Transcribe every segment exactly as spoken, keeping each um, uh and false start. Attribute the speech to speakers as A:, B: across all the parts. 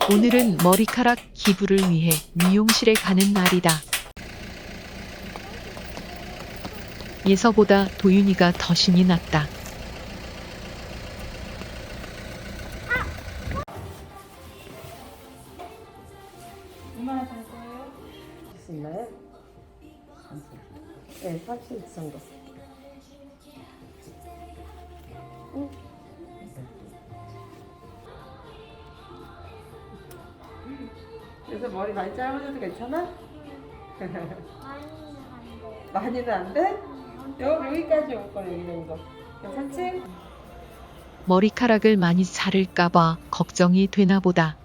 A: 오늘은 머리카락 기부를 위해 미용실에 가는 날이다. 예서보다 도윤이가 더 신이 났다.
B: 얼마나 갈 거예요?
C: 할 수 있나요? 네, 삼십 정도. 응? 그래서 머리 많이 짧아져도 괜찮아? 많이는 안 돼? 여, 여기까지 올 거야, 여기 정도. 괜찮지?
A: 머리카락을 많이 자를까봐 걱정이 되나 보다.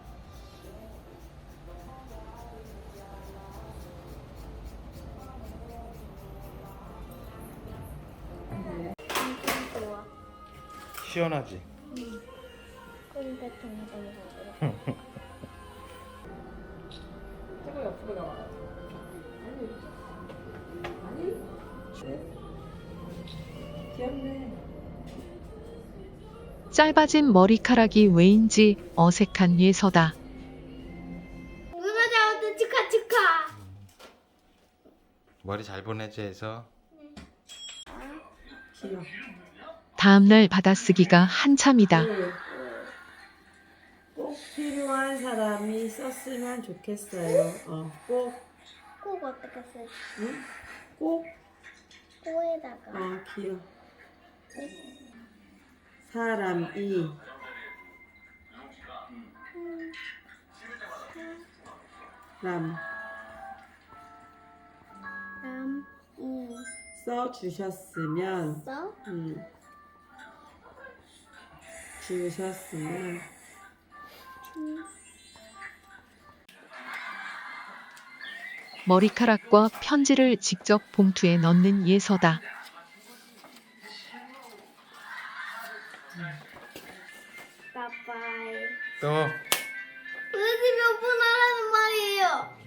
B: 좋아.
D: 시원하지?
B: 근데 동동동동.
C: 조금 옆으로 나와. 아니, 아니. 네. 귀엽네.
A: 짧아진 머리카락이 왜인지 어색한 예서다.
B: 누나 잡았다 축하 축하.
D: 머리 잘 보내지 해서.
C: 귀여워.
A: 다음날 받아쓰기가 한참이다.
C: 네. 꼭 필요한 사람이 썼으면 좋겠어요. 어, 꼭,
B: 꼭 어떻게 쓰지?
C: 응? 꼭,
B: 코에다가.
C: 어, 귀여워. 사람이 람
B: 남, 이,
C: 써주셨으면
B: 써?
C: 음, 주셨으면
A: 머리카락과 편지를 직접 봉투에 넣는 예서다.
B: 빠빠이.
D: 또
B: 도대체 몇 번 하라는 말이에요?